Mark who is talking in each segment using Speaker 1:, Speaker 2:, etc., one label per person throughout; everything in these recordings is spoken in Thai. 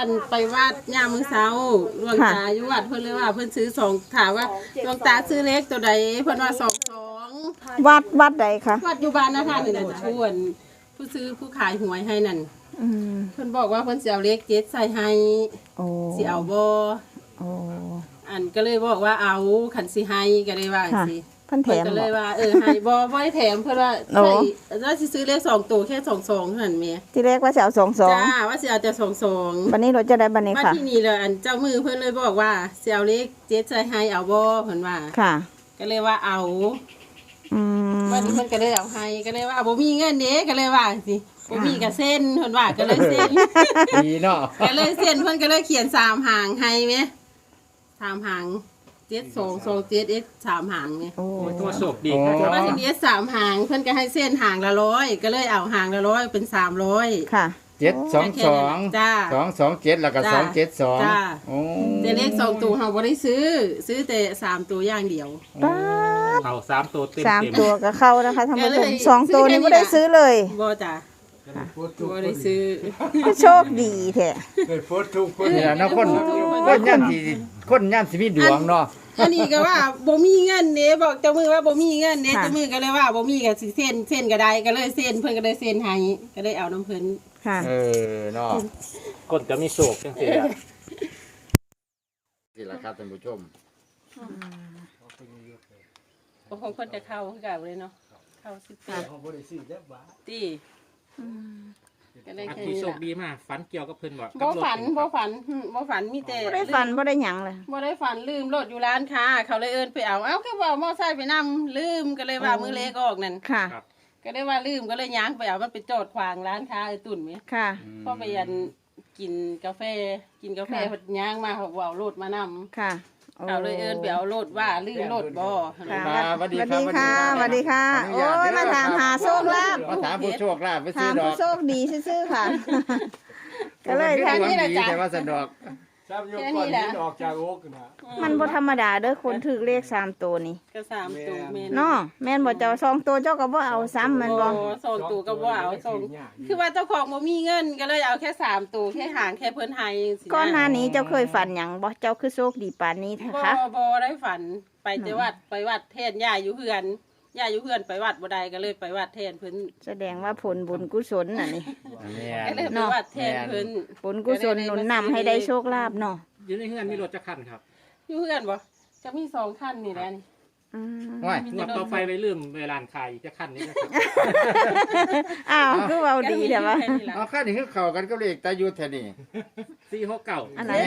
Speaker 1: นไปวัดย่ามมื้อเช้าหลวงตาอยู่วัดเพิ่นเลยว่าเพิ่นซื้อ2ถามว่าหลวงตาซื้อเลขตัวใดเพิ่นว่า22
Speaker 2: วัดใดคะ
Speaker 1: วัดอยู่บ้านนะท่านนี่แหละจ้ะผู้ซื้อผู้ขายหวยให้นั่นเพิ่นบอกว่าเพิ่นสิเอาเลข7ใส่ให้สิเอาบ่อันก็เลยบอกว่าเอาคันสิให้ก็เลยว่าสิ
Speaker 2: เพิ่นแถม
Speaker 1: ก็เลยว่าให้บ่ได้แถมเพิ่นว่าใช่ว่าสิซื้อเลข2ตัวแค่22เท่านั้นแม่
Speaker 2: ที่แรกว่าสิเอา22
Speaker 1: จ้าว่าสิเอาแต่22
Speaker 2: บัดนี้รถจะได้บัดนี้ค่ะ
Speaker 1: ที่นี่เลยอันเจ้ามือเพิ่นเลยบอกว่าสิเอาเลข7ใส่ให้เอาบ่เพิ่นว่า
Speaker 2: ค่ะ
Speaker 1: ก็เลยว่าเอาวันนี้เพิ่นก็เลยเอาให้ก็เลยว่าบ่มีเงินเด้ก็เลยว่าสิบ่มีก็เส้นเพิ่นว่าก็เลยเส้น
Speaker 3: ดีเนาะ
Speaker 1: ก็เลยเส้นเพิ่นก็เลยเขียน3หางให้แม่3หาง7227x 3หางนี่
Speaker 3: โอ้ตัวโชคดีครับ
Speaker 1: ว่าทีนี้3หางเพิ่นก็ให้เส้นหางละ100ก็เลยเอาหางละ100เป็น300
Speaker 2: ค่ะ
Speaker 3: 722
Speaker 1: จ้า
Speaker 3: 227แล้วก็272
Speaker 1: จ้าแต่เลข2ตัวเฮาบ่ได้ซื้อแต่3ตัวอย่างเดียว
Speaker 3: เข้า3ตัวเต็ม
Speaker 2: 3ตัวก็เข้านะคะท่านผู้ชม2ตัวนี้บ่ได้ซื้อเลย
Speaker 1: บ่จ้ะบ่ได้ซื้อ
Speaker 2: โชคดีแท้
Speaker 3: ได้โพสต์ทุกคนเนี่ยนะคนย่ำสิมีดวงเนาะ
Speaker 1: อันนี้ก็ว่าบ่มีเงินเด้บอกเจ้ามือว่าบ่มีเงินเด้เจ้ามือก็เลยว่าบ่มีก็สิเส้นก็ได้ก็เลยเส้นเพิ่นก็เลยเส้นให้ก็เลยเอาน้ำเพิ่น
Speaker 2: ค่ะ
Speaker 3: เนาะคนจะมีโชคจังซี่นี่ล่ะครับท่านผู้ชม
Speaker 1: บ่คงเพิ่นจะเข้าคือกันเลยเนาะเข้า18ของบ่ได้ซื้อจักบาทติ
Speaker 3: ก็ได้แค่นี้โชคดีมากฝันเกี่ยวกับเพิ่น
Speaker 1: บ่ฝันมีแต่
Speaker 2: บ่ได้ฝันบ่ได้หยังเลย
Speaker 1: บ่ได้ฝันลืมรถอยู่ร้านค้าเขาเลยเอิ้นไปเอาก็บ่เอามอไซค์ไปนำลืมก็เลยว่ามือเล็กออกนั่น
Speaker 2: ค่ะ
Speaker 1: ก็ได้ว่าลืมก็เลยย้างไปเอามันไปจอดขวางร้านค้าไอ้ตุ่นมั้ย
Speaker 2: ค่ะ
Speaker 1: พอไปยันกินกาแฟเพิ่นย้างมาเขาเอารถมานำ
Speaker 2: ค่ะ
Speaker 1: เอาเลยเอิ้นไปเอารถว่าลืมรถบ่
Speaker 2: ค่ะสวัสดีค่ะโอ้ยมาถามหาโชคลาภ
Speaker 3: มาถามผู้โชคลาภไปซื้อ
Speaker 2: ดอกถามผู้โชคดีซื่อๆค่ะก็เลย
Speaker 3: แค่นี้แหละจ้ะแต่ว่าสะดวก
Speaker 1: แค่นี้แหละ
Speaker 4: ออกจากโอ๊กนะ
Speaker 2: มันบ่ธรรมดาเด้อคนถือเลข3ตัวนี่
Speaker 1: ก็3ตัวแม่น
Speaker 2: เนาะแม่นบ่เจ้า2ตัวเจ้าก็บ่เอาซ้ำมันบ่
Speaker 1: 2ตัวก็บ่เอา2คือว่าเจ้าของบ่มีเงินก็เลยเอาแค่3ตัวแค่หางแค่เพิ่นให้สิ
Speaker 2: ก่อนหน้านี้เจ้าเคยฝันหยังบ่เจ้าคือโชคดีปานนี้คะ
Speaker 1: บ่ได้ฝันไปแต่วัดแทนย่าอยู่เฮือนไปวัดบ่ได้ก็เลยไปวัดแทนเพิ่น
Speaker 2: แสดงว่าผลบุญกุศลน่ะนี่
Speaker 1: ก็เลยไปวัดแทนเพิ่น
Speaker 2: ผลกุศลหนุนนำให้ได้โชคลาภเนาะ
Speaker 3: อยู่ในเฮือนมีรถจักคันครับ
Speaker 1: อยู่เฮือนบ่จะมี2คันนี่แหละนี่
Speaker 3: ว่าต่อไปไปลืมเวลาขายจักคันนี้นะครับ
Speaker 2: อ้าวคือเว้าดีแต่ว่า
Speaker 3: เอาคันนี้คือเข้ากันกับเลขตายุทธแท้นี่469
Speaker 2: อันนั้น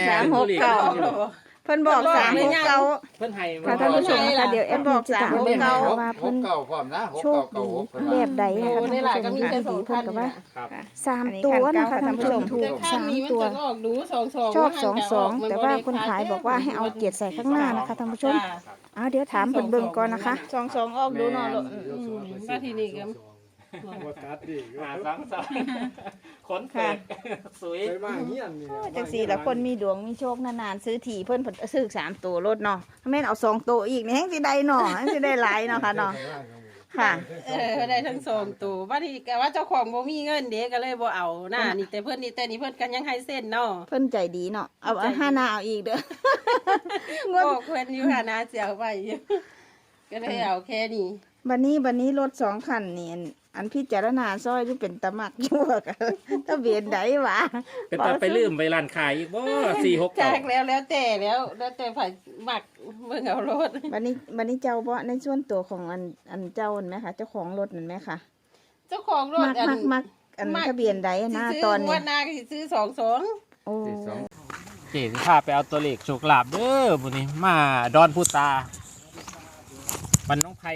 Speaker 2: 369เพิ่นบอก369
Speaker 3: เพิ่นให้
Speaker 2: ท่านผู้ชมค่ะเดี๋ยวแอดบอก369ว่า
Speaker 3: เพิ่นพร้อมนะ
Speaker 2: 696แบบใดนะคะท่านผู้ชมค่ะดีเพิ่นก็ว่า3ตัวนะคะท่านผู้ชมถูก3ตัวชอบ22แต่ว่าคนขายบอกว่าให้เอา7ใส่ข้างหน้านะคะท่านผู้ชมเดี๋ยวถามเพิ่นเบิ่งก่อนนะคะ22ออกดูเนาะ
Speaker 1: มาทีนี้ก็
Speaker 4: บ่ตัดดิ
Speaker 3: ขนแตกสวย
Speaker 4: ไปมาเฮียนนี่
Speaker 2: จังซี่ล่ะคนมีดวงมีโชคนานๆซื้อถี่เพิ่นซื้อ3ตัวรถเนาะแม่นเอา2ตัวอีกนี่แฮงสิได้เนาะแฮงสิได้หลายเนาะค่ะเนาะค่ะ
Speaker 1: ได้ทั้ง2ตัวว่าที่แกว่าเจ้าของบ่มีเงินเด้ก็เลยบ่เอาน่ะนี่แต่เพิ่นนี่แต่นี่เพิ่นกันยังให้เส้นเนาะ
Speaker 2: เพิ่นใจดีเนาะเอา5หน้าเอาอีกเด้อ
Speaker 1: บอกเพิ่นอยู่หาหน้าเสียไว้ก็เลยเอาแค่นี้
Speaker 2: บัดนี้รถ2คันนี่อันพิจารณาซอยที่เป็นตะมักชั่วกันทะเบียนใดวะ
Speaker 3: เป็นตาไปลืมไปร้านขายอีกบ่469
Speaker 1: จากแล้วแต่ไผมักเบิ่งเอารถ
Speaker 2: บัดนี้เจ้าบ่ในส่วนตัวของอันเจ้านั่นไหมคะเจ้าของรถนั่นไหมคะ
Speaker 1: เจ้าของรถ
Speaker 2: มักอันทะเบียนใดนะตอนนี้
Speaker 1: วันหน้าก็สิซื้อ22
Speaker 2: โอ้
Speaker 3: เจ๊สิพาไปเอาตัวเลขโชคลาภเด้อมื้อนี้มาดอนพุตาบ้านน้องไผ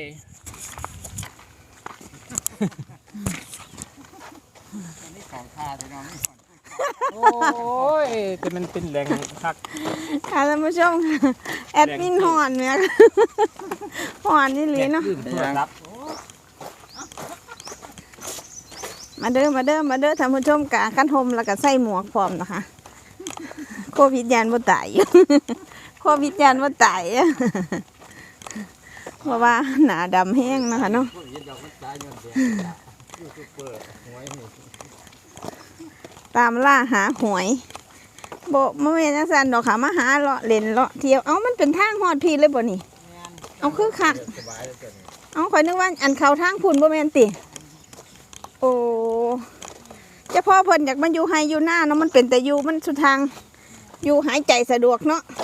Speaker 3: ของข้าไปน้องโอ้ยแต่มันเป็นแรงคัก
Speaker 2: ค่ะท่านผู้ชมแอดมินหอนเนี่ยหอนนี่ลีเนาะมาเด้อท่านผู้ชมกะกันห่มแล้วก็ใส่หมวกพร้อมนะคะโควิดยันบ่ตายโควิดยันบ่ตายเพราะว่าหนาดำแห้งนะคะเนาะตามล่าหาหวยบ่แม่นจังซั่นดอกค่ะมาหาเลาะเล่นเลาะเที่ยวเอ้ามันเป็นทางฮอดพี่เลยบ่นี่เอาคือคักเอาข่อยนึกว่าอันเข้าทางพุ่นบ่แม่นติโอ้เฉพาะเพิ่นอยากมาอยู่ไฮอยู่หน้าเนาะมันเป็นแต่อยู่มันสุดทางอยู่หายใจสะดวกเนาะ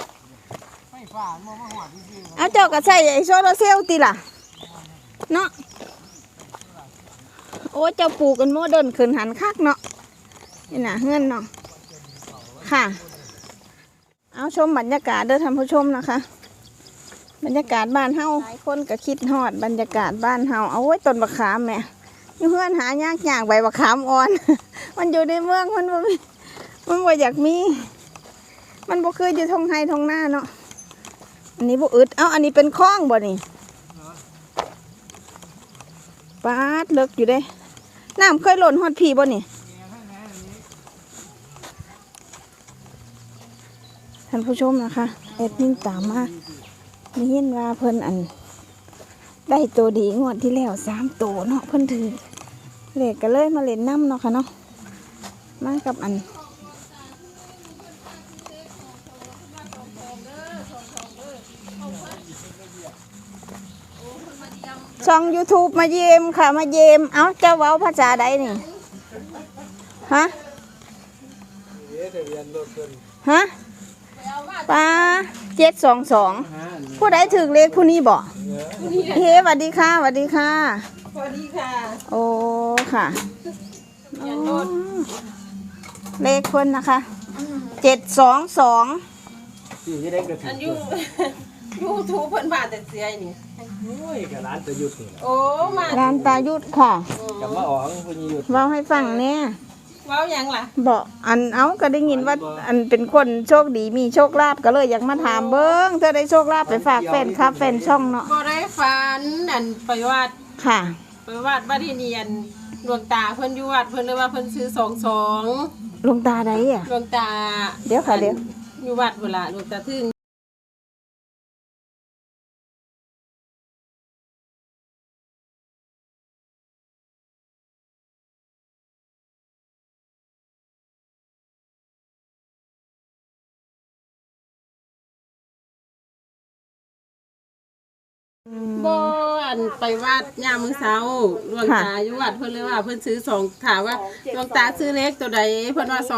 Speaker 2: เอาเจ้าก็ใส่ไอ้โซลาร์เซลล์ติล่ะเนาะโอ้เจ้าปลูกกันโมเดิร์นขึ้นหันคักเนาะนี่น่ะเฮือนเนาะค่ะเอาชมบรรยากาศเด้อท่านผู้ชมนะคะ บรรยากาศบ้านเฮาหลายคนก็คิดฮอดบรรยากาศบ้านเฮาเอาไว้ต้นบักขามแม่อยู่เฮือนหายากใบบักขามอ่อน มันอยู่ในเมืองมันบ่อยากมีมันบ่คืออยู่ทงไฮทงหน้าเนาะอันนี้บ่อึดอันนี้เป็นคลองบ่นี่ปาดเลิกอยู่เด้น้ำเคยหล่นฮอดพี่บ่นี่ท่านผู้ชมนะคะแอดมินตามมามีเห็นว่าเพิ่นอันได้ตัวดีงวดที่แล้ว3ตัวเนาะเพิ่นถือเลขก็เลยมาเล่นน้ำเนาะค่ะเนาะมากับอันช่อง YouTube มาเยี่ยมค่ะมาเยี่ยมเอ้าเจ้าเว้าภาษาใดนี่ฮะฮะป้า722ผู้ใดถึงเลขผู้นี้บ่เฮ้สวัสดีค่ะสวัสดีค่ะ
Speaker 1: สวัสดีค่ะ
Speaker 2: โอ้ค่ะ
Speaker 1: ยันโดน
Speaker 2: เลขคนนะคะ722
Speaker 4: ที่นี่ได้กระถิ่
Speaker 1: อั
Speaker 4: น
Speaker 1: นยูทูบเพิ่นผ่านแต่เสียนี่
Speaker 4: โอ้ยกับร้านตะยุทธ์นี่
Speaker 1: โอ้มา
Speaker 2: ร้านตายุทธค่ะ
Speaker 4: กับมาออกพญยุทธ์
Speaker 2: เว้าให้ฟังเนี่ย
Speaker 1: เว้าหยังล่ะ
Speaker 2: บอกอันเอาก็ได้ยินว่าอันเป็นคนโชคดีมีโชคลาภก็เลยอยากมาถามเบิ้งเธอได้โชคลาภไปฝากแฟนครับแฟนช่องเนาะ
Speaker 1: บ่ได้ฝันอันไปวัด
Speaker 2: ค่ะ
Speaker 1: ไปวัดที่เนียนหลวงตาเพิ่นอยู่วัดเพิ่นเลยว่าเพิ่นซื้อ22
Speaker 2: หลวงตาใดอ่ะ
Speaker 1: หลวงตา
Speaker 2: เดี๋ยวค่ะเดี๋ยว
Speaker 1: อยู่วัดพุ่นล่ะหลวงตาถึงบ่อันไปวัดยามมื้อเช้าหลวงตาอยู่วัดเพิ่นเลยว่าเพิ่นซื้อ2ถามว่าหลวงตาซื้อเลขตัวใดเพิ่นว่า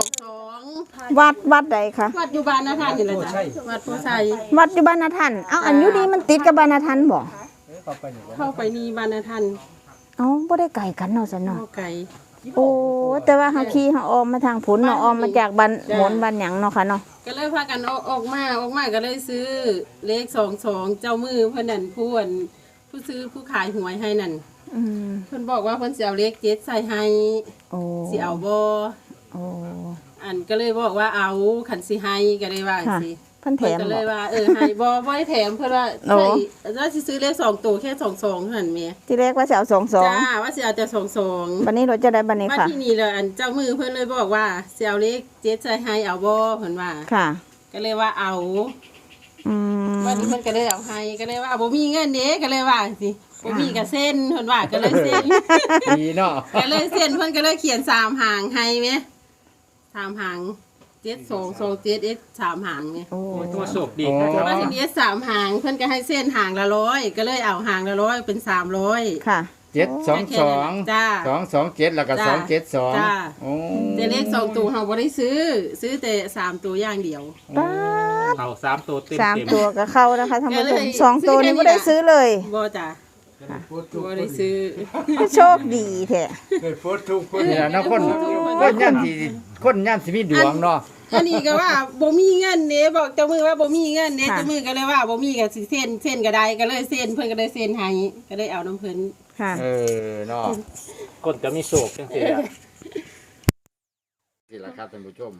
Speaker 1: 22
Speaker 2: วัดใดคะ
Speaker 1: วัดอยู่บ้านนาท่านนี่แหละจ้ะวัดโพไซ
Speaker 2: วัดอยู่บ้านนาทันเอาอันอยู่ดีมันติดกับบ้านนาทันบ่
Speaker 1: เข้าไปนี่บ้านนาท่าน
Speaker 2: เอาบ่ได้ไก่กันเนาะซะเนาะ
Speaker 1: เข้าไกล
Speaker 2: โอ้แต่ว่าเฮาขี่เฮาออมมาทางผุนเนาะออมมาจากบ้านหมนบ้านหยังเนาะค่ะเนาะ
Speaker 1: ก็เลยพากันออกมาก็เลยซื้อเลข22เจ้ามือเพิ่นนั่นผู้ซื้อผู้ขายหวยให้นั่น
Speaker 2: อืม
Speaker 1: เพิ่นบอกว่าเพิ่นสิเอาเลข7ใส่ให้
Speaker 2: โอ้
Speaker 1: สิเอาบ่
Speaker 2: โอ้
Speaker 1: อันก็เลยบอกว่าเอาคันสิให้ก็เลยว่า
Speaker 2: ค่ะ
Speaker 1: สิ
Speaker 2: เพิ่นแถ
Speaker 1: เพิ่น
Speaker 2: ม
Speaker 1: ก็เล
Speaker 2: บ่
Speaker 1: ยว่าให้บ่ได้แถมเพิ่นว่า
Speaker 2: โอ้
Speaker 1: ใส่ว่าสิซื้อเลข2ตัวแค่22เท่านั้นแหม่
Speaker 2: ที่แรกว่าจะเอา
Speaker 1: จ้า
Speaker 2: 22
Speaker 1: ว่าสิเอาแต่22
Speaker 2: บัดนี้เราจะได้บัดนี้
Speaker 1: มา
Speaker 2: ค่ะ
Speaker 1: ที่นี่เลยอันเจ้ามือเพิ่นเลยบอกว่าสิเอาเลข7ใส่ให้เอาบ่เพิ่นว่า
Speaker 2: ค่ะ
Speaker 1: ก็เลยว่าเอา
Speaker 2: อืม
Speaker 1: วันนี้เพิ่นก็เลยเอาให้ก็เลยว่าบ่มีเงินเด้ก็เลยว่าสิบ่มีก็เส้นเพิ่นว่าก็เลยเส้น
Speaker 3: ดีเนาะ
Speaker 1: ก็เลยเส้นเพิ่นก็เลยเขียน3หางให้แหม3หาง7227 x 3หางแหม
Speaker 2: โอ้
Speaker 3: ตัวโชคดีครับ
Speaker 1: ว่าทีนี้3หางเพิ่นก็ให้เส้นหางละ100ก็เลยเอาหางละ100เป็น300
Speaker 2: ค่ะ
Speaker 3: 722
Speaker 1: จ้า
Speaker 3: 227แล้วก็
Speaker 1: จ้า
Speaker 3: 272
Speaker 1: จ้า
Speaker 3: โอ้
Speaker 1: แต่เลข2ตัวเฮาบ่ได้ซื้อแต่3ตัวอย่างเดียว
Speaker 2: ป้าด
Speaker 3: เอา3ตัวเต็ม
Speaker 2: 3 ตัวก็เข้านะคะท่านผู้ช
Speaker 1: ก็
Speaker 2: ม
Speaker 1: เลย
Speaker 2: 2 ตัวนี้ไม่ได้ซื้อเลย
Speaker 1: บ่จ้ะบ่ได้ซื้อ
Speaker 2: โชคดีแท้
Speaker 4: ได้โพสต์ทุกคน
Speaker 3: นี่ล่ะเนาะคนย่านสิมีดวงเนาะ
Speaker 1: อันนี้ก็ว่าบ่มีเงินเด้บอกเจ้ามือว่าบ่มีเงินเด้เจ้ามือก็เลยว่าบ่มีก็สิเส้นก็ได้ก็เลยเส้นเพิ่นก็เลยเส้นให้ก็เลยเอาน้ำเพิ่น
Speaker 2: ค่ะ
Speaker 3: เนาะคนจะมีโชคจังซี่ล่ะนี่ล่ะครับท่านผู้ชม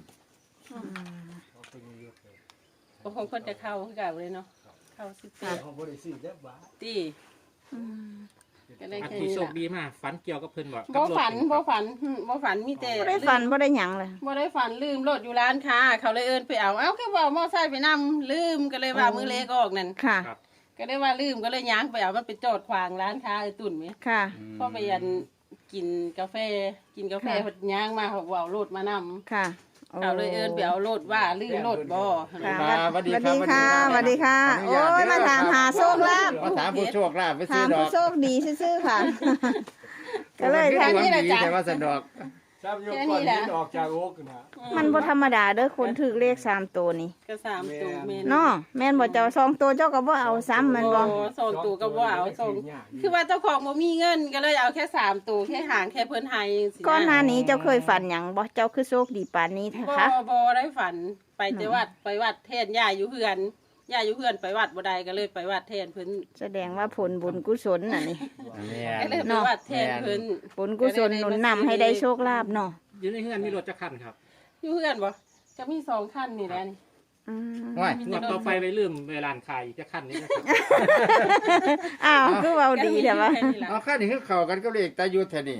Speaker 1: บ่คงเพิ่นจะเข้าคือกันเลยเนาะเข้า18
Speaker 4: ของบริษัทจักบาท
Speaker 1: ติก็เลย
Speaker 3: อัน
Speaker 1: แค่
Speaker 3: ที่
Speaker 1: นี้
Speaker 3: โช
Speaker 1: ล่ะ
Speaker 3: คดีมากฝันเกี่ยวกับเพิ่นบ่
Speaker 1: บ่ฝันมีแต่
Speaker 2: บ่ได้ฝันบ่ได้หยังเลย
Speaker 1: บ่ได้ฝันลืมรถอยู่ร้านค้าเขาเลยเอิ้นไปเอาเอ้าคือว่าเอามอไซค์ไปนำลืมก็เลยว่ามือเล็กออกนั่น
Speaker 2: ค่ะ
Speaker 1: ก็เลยว่าลืมก็เลยย้างไปเอามันไปจอดขวางร้านค้าไอ้ตุ่นแหม
Speaker 2: ค่ะ
Speaker 1: พอไปยันกินกาแฟเพิ่นย่างมาเขาเอารถมานำ
Speaker 2: ค่ะ
Speaker 1: เอาเลยเอิ้นไปเอาโลดว่าลืมโลดบ่
Speaker 2: ค่ะ
Speaker 3: ครับสวัสดี
Speaker 2: สวัส
Speaker 3: ครั
Speaker 2: ดี
Speaker 3: บ
Speaker 2: ค่ะสวัสดีค่ะ โอ้ยมาถามหาโชคลาภ
Speaker 3: มาถามผู้โชคลาภไปซื้
Speaker 2: ถา
Speaker 3: อ
Speaker 2: ม
Speaker 3: ดอ
Speaker 2: ผู้
Speaker 3: ก
Speaker 2: โชคดีซื่อๆค่ะ ก็เลย
Speaker 3: แค่
Speaker 2: ทาง
Speaker 3: นี้
Speaker 2: นี้
Speaker 3: แหละจ้ะแต่ว่าสะดอก
Speaker 4: ซ้ำยกก้อนหินออกจากโอ๊กนะ
Speaker 2: มันบ่ธรรมดาเด้อคนถือเลข3ตัวนี่
Speaker 1: ก็3ตัวแม่น
Speaker 2: เนาะแม่นบ่เจ้า2ตัวเจ้าก็บ่เอาซ้ำแม่นบ่
Speaker 1: สองตัวก็บ่เอาสองคือว่าเจ้าของบ่มีเงินก็เลยเอาแค่3ตัวแค่หางแค่เพิ่นให้สิะ
Speaker 2: ก่อนหน้านี้เจ้าเคยฝันหยังบ่เจ้าคือโชคดีปานนี้แท้คะ
Speaker 1: บ่ได้ฝันไปแต่วัดไปวัดแทนย่าอยู่เฮือนย่าอยู่เฮือนไปวัดบ่ได้ก็เลยไปวัดแทนเพิ่น
Speaker 2: แสดงว่าผลบุญกุศลน่ะนี่
Speaker 1: ก็เลยไปวัดแทนเพิ่น
Speaker 2: ผลกุศลหนุนนำให้ได้โชคลาภเนาะ
Speaker 3: อยู่ในเฮือนมีรถจักรคันครับ
Speaker 1: อยู่เฮือนบ่ก็มี2คันนี่แหละนี่
Speaker 2: อืม
Speaker 3: ว้ายงวดต่อไปไปลืมเวลาขายอีกจักรคันนี้นะครับ
Speaker 2: อ้าวคือเว้าดีแต่ว่า
Speaker 1: ก็มีแค่นี้ล่ะ
Speaker 5: เอาค่านี่คือเข้ากันกับเลขตายุทธแท้นี่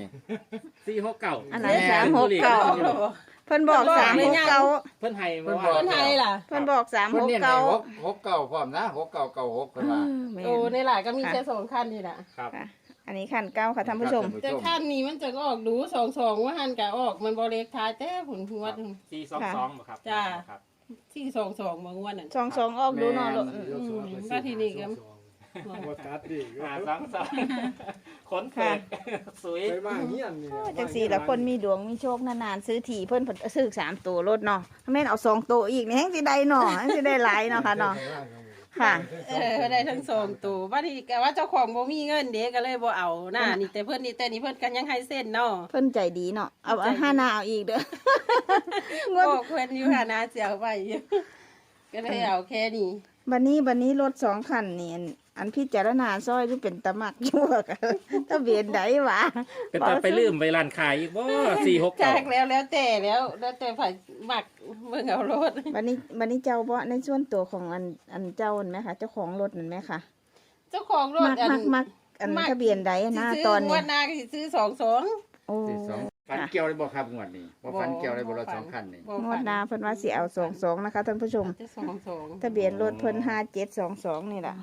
Speaker 3: 469
Speaker 2: อันนั้น369 เพิ่นบอก369
Speaker 3: เพิ่นให้
Speaker 5: เพิ่
Speaker 3: เมื่อน วา
Speaker 5: บอก
Speaker 1: เพิ่นให้ล่ะ
Speaker 2: เพิ่นบอก
Speaker 5: เพิ่นเน้นให้
Speaker 2: 369
Speaker 5: 669พร้อมนะ6996เพิ่นว่า
Speaker 1: โอ้ในหลายก็มีแค่2คันนี่ล่ะ
Speaker 3: ครับ
Speaker 2: อันนี้ขั้นเก้าค่ะท่านผู้ชม
Speaker 1: แต่คันนี้มันจะออกดู22ว่าหันก็ออกมันบ่เลขท้ายแต่ผลหัว
Speaker 3: 422บ่ครับ
Speaker 1: จ้า
Speaker 3: ครับ
Speaker 1: ที่22บางวันนั่น
Speaker 2: 22ออกดูเนาะลูก
Speaker 1: ว่าที่นี่ก็
Speaker 4: บ่ตัดดิ
Speaker 3: ขนเปิดสวย
Speaker 4: ไปบ้างเฮียนนี่
Speaker 2: จังสี่ละคนมีดวงมีโชคนานๆซื้อถี่เพิ่นซื้อ3ตัวรถเนาะถ้าแม่นเอา2ตัวอีกนี่แฮงสิได้เนาะแฮงสิได้หลายเนาะค่ะเนาะค่ะ
Speaker 1: ได้ทั้ง2ตัวว่าที่แต่ว่าเจ้าของบ่มีเงินเด้ก็เลยบ่เอาหน้านี่แต่เพิ่นนี่แต่นี่เพิ่นกันยังให้เส้นเนาะ
Speaker 2: เพิ่นใจดีเนาะเอา5หน้าเอาอีกเด้อ งวด
Speaker 1: บอกเพิ่นอยู่หานาเสียวไปอยู่ก็เลยเอาแค่นี้
Speaker 2: บัดนี้รถ2คันนี่อันพิจารณาซอยหรือเป็นตะมักอยู่กันทะเบียนใดวะ
Speaker 3: เป็นตาไปลืมไปร้านขายอีกบ่
Speaker 1: จาก
Speaker 3: 469
Speaker 1: แล้วแต่ไผมักเบิ่งเอารถ
Speaker 2: บัดนี้เจ้าบ่ในส่วนตัวของอันเจ้านั่นไหมคะเจ้าของรถนั่นไหมคะ
Speaker 1: เจ้าของรถ
Speaker 2: มักอันทะเบียนใดนะตอน
Speaker 1: ง
Speaker 2: นี้
Speaker 1: วดหน้าก็สิซื้อ22
Speaker 2: โอ้
Speaker 5: ฝันเกี่ยวได้บ่ครับงวดนี้บ่ฝันเกี่ยวได้บ่รถ2คันนี่
Speaker 2: งวดหน้าเพิ่นว่าสิเอา22นะคะท่านผู้ชม
Speaker 1: จะ22
Speaker 2: ทะเบียนรถเพิ่น5722นี่ล่ะ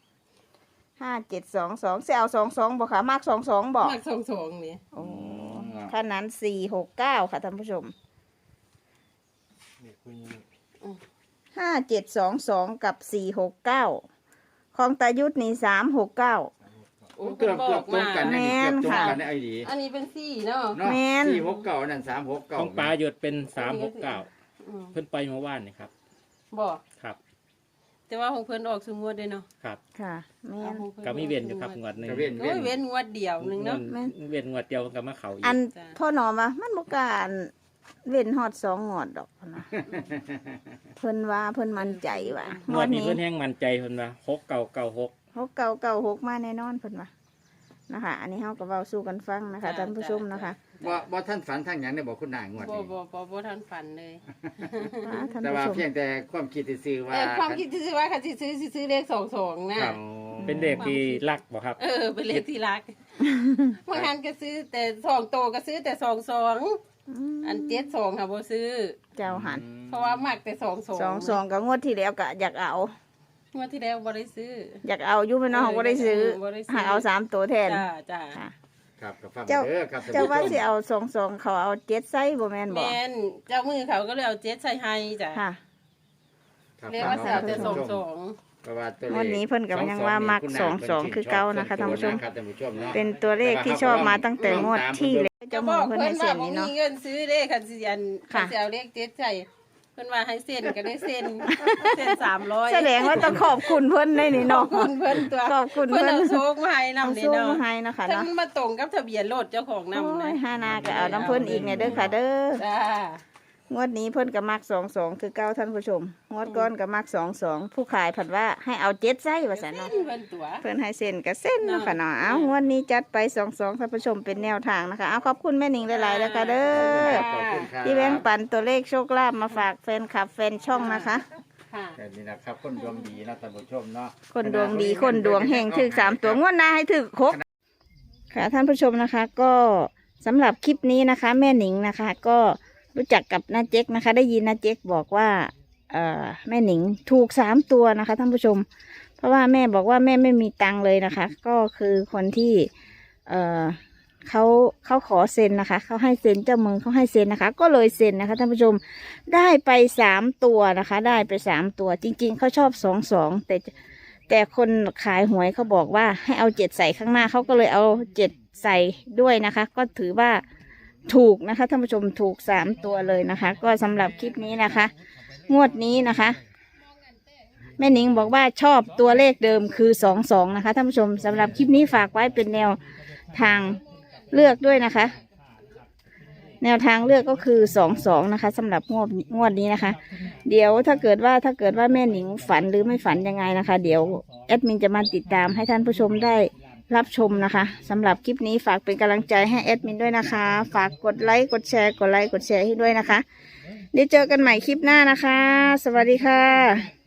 Speaker 2: 5722สิเอา22บ่คะมัก22บ่
Speaker 1: มัก22นี่
Speaker 2: โอ้คันนั้น469ค่ะท่านผู้ชม5722กับ469ของตายุทธนี่369
Speaker 1: โอ้
Speaker 5: เกือบ
Speaker 1: บอก
Speaker 5: ตรง
Speaker 1: มา
Speaker 5: กันนะนี่เกือบตรงกัน
Speaker 2: แม่นค่ะ
Speaker 5: ในไอ้ดี
Speaker 1: อันนี้เป็น4เนาะ
Speaker 5: เนาะ
Speaker 2: แม่น
Speaker 5: 469นั่น369
Speaker 3: ของปลาหยดเป็น369
Speaker 1: อืม
Speaker 3: เพิ่นไปเมื่อวานนี่ครับ
Speaker 1: บอก
Speaker 3: ครับ
Speaker 1: แต่ว่าของเพิ่นออกสมวดได้เนาะ
Speaker 3: ครับ
Speaker 2: ค่ะแม่น
Speaker 1: ของพิ่
Speaker 3: ก็มีเวียนอยู่ครับงวดหนึง
Speaker 5: ก็เว้น
Speaker 1: โอ้ยเว้นงวดเดียวหนึงเนาะ
Speaker 3: เวียนงวดเดียวก็มาเข้าอีก
Speaker 2: อัน
Speaker 1: จ้ะ
Speaker 2: พ่อหนอมว่ามันบ่กล้ารเว้นฮอด2งวดดอกนะเพิ่นว่าเพิ่นมั่นใจว่าง
Speaker 3: ง
Speaker 2: ว
Speaker 3: ว
Speaker 2: ด
Speaker 3: ดนี้
Speaker 2: นี้
Speaker 3: เพิ่นแห้งมั่นใจเพิ่นว่า6996
Speaker 2: 6996มาแน่นอนเพิ่นว่านะคะ อันนี้เฮาก็เว้าสู่กันฟังนะคะท่านผู้ชมนะคะ
Speaker 5: บ่ท่านฝันทางหยังได้บ่คุณนายงวด
Speaker 1: บ่
Speaker 5: นี้
Speaker 1: บ่ทันฝันเลย
Speaker 2: ท่าน
Speaker 5: แต่
Speaker 2: ผู้
Speaker 5: ว่า
Speaker 2: ชม
Speaker 5: เพียงแต่ความคิดซื่อๆว่า
Speaker 1: ความคิดที่ว่าค่ะสิซื้อเลข22นะครับ
Speaker 3: เป็นเด็กที่รักบ่ครับ
Speaker 1: เป็นเลขที่รักบางครั้งก็ซื้อแต่2โตวก็ซื้อแต่22อัน72ค่ะบ่ซื้อ
Speaker 2: เจ้าหัน
Speaker 1: เพราะว่ามักแต่22
Speaker 2: 22ก็งวดที่แล้วก็อยากเอา
Speaker 1: งวดที่แล้วบ่ได้ซื้อ
Speaker 2: อยากเอาอยู่แม่น้องบ่ได้ซื้อ
Speaker 1: บ่ได้ซื้อ
Speaker 2: หาเอา3ตัวแทน
Speaker 1: จ้า
Speaker 2: ค่ะ
Speaker 5: ครับก็ฟัง
Speaker 2: เจ้า
Speaker 5: เด้อครับท่น
Speaker 2: เจ้า
Speaker 5: ผู้ชม
Speaker 2: ว่าสิเอา22เขาเอา7ไซส์บ่แม่นบ่
Speaker 1: แม่นเจ้ามือเขาก็เลยเอา7ใส่ให้จ้ะ
Speaker 2: ค่ะ
Speaker 5: ครับ
Speaker 1: เรียกว่าสิเอาแต่
Speaker 5: ท่นผู้ชม
Speaker 1: 22
Speaker 5: เพราะว่าตัวเลข
Speaker 2: วันนี้เพิ่นก็ยังว่ามัก
Speaker 5: คุณนาย
Speaker 2: 22คือเก่านะคะท่านผู้ชม
Speaker 5: ครับท่านผู้ชมเนาะ
Speaker 2: เป็นตัวเลขที่ชอบมาตั้งแต่งวดที่แล้ว
Speaker 1: จะ
Speaker 2: เจ้า
Speaker 1: บ
Speaker 2: มื
Speaker 1: อ
Speaker 2: อก เพิ่น
Speaker 1: เพิ่
Speaker 2: ให้
Speaker 1: น
Speaker 2: เซ็
Speaker 1: ว่าน บ่
Speaker 2: นี่
Speaker 1: มี
Speaker 2: เนาะ
Speaker 1: เงินซื้อเลขคันสิอัน
Speaker 2: ค่ะ
Speaker 1: คันสิเอาเลข7ใส่เพิ่นว่าให้เซ็นก็ได้เซ็นเซ็น300
Speaker 2: แสดงว่าต้องขอบคุณเพิ่นได้นี่
Speaker 1: ขอ
Speaker 2: เนาะ
Speaker 1: บคุณเพิ่นตัว
Speaker 2: ขอบคุณ
Speaker 1: เพิ่น
Speaker 2: เพิ่น
Speaker 1: เอาโชคมาให้
Speaker 2: เอา
Speaker 1: นำนี่
Speaker 2: สู้
Speaker 1: เนาะ
Speaker 2: มาให้นะคะ
Speaker 1: ถ้า
Speaker 2: เนาะ
Speaker 1: มันมาตรงกับทะเบียนรถเจ้าของนำ
Speaker 2: โอ้
Speaker 1: นะ
Speaker 2: ยฮานาก็เอาน้ำเพิ่นอีกเนี่ยเด้อค่ะเด้อ
Speaker 1: จ้าง
Speaker 2: วดนี้เพิ่นก็มัก22คือเก่าท่านผู้ชมงวดก่อนก็มัก22ผู้ขายผัดว่าให้เอา7ไส้ว่าซั่นเนาะ
Speaker 1: เพิ่นตัว
Speaker 2: เพิ่นให้เส้นก็เส้นเนาะค่ะเนาะเอางวดนี้จัดไป22ท่านผู้ชมเป็นแนวทางนะคะเอาขอบคุณแม่หนิงหลายๆแล้วค่ะเด้อ
Speaker 5: ขอบคุณครับ
Speaker 2: ที่แบ่งปันตัวเลขโชคลาภมาฝากแฟนคลับแฟนช่องนะคะ
Speaker 1: ค่ะ
Speaker 5: นี่นะครับคนดวงดีนะท่านผู้ชมเนาะ
Speaker 2: คนดวงดีคนดวงเฮงถึก3ตัวงวดหน้าให้ถึก6ค่ะท่านผู้ชมนะคะ ก็สำหรับคลิปนี้นะคะ แม่หนิงนะคะ ก็รู้จักกับน้าเจ๊กนะคะ ได้ยินน้าเจ๊กบอกว่าแม่หนิงถูก3ตัวนะคะท่านผู้ชม เพราะว่าแม่บอกว่าแม่ไม่มีตังค์เลยนะคะ ก็คือคนที่เขาขอเซ็นนะคะเขาให้เซ็นเจ้ามือเขาให้เซ็นนะคะ ก็เลยเซ็นนะคะท่านผู้ชมได้ไป3 ตัวนะคะ ได้ไป3 ตัวจริงๆเขาชอบ22แต่คนขายหวยเขาบอกว่าให้เอา7ใส่ข้างหน้าเขาก็เลยเอา7ใส่ด้วยนะคะ ก็ถือว่าถูกนะคะท่านผู้ชมถูก3 ตัวเลยนะคะ ก็สำหรับคลิปนี้นะคะ งวดนี้นะคะแม่หนิงบอกว่าชอบตัวเลขเดิมคือ22นะคะท่านผู้ชมสำหรับคลิปนี้ฝากไว้เป็นแนวทางเลือกด้วยนะคะ แนวทางเลือกก็คือ22นะคะสำหรับงวดนี้นะคะ เดี๋ยวถ้าเกิดว่าแม่หนิงฝันหรือไม่ฝันยังไงนะคะ เดี๋ยวแอดมินจะมาติดตามให้ท่านผู้ชมได้รับชมนะคะสำหรับคลิปนี้ฝากเป็นกำลังใจให้แอดมินด้วยนะคะ ฝากกดไลค์กดแชร์ให้ด้วยนะคะเดี๋ยวเจอกันใหม่คลิปหน้านะคะ สวัสดีค่ะ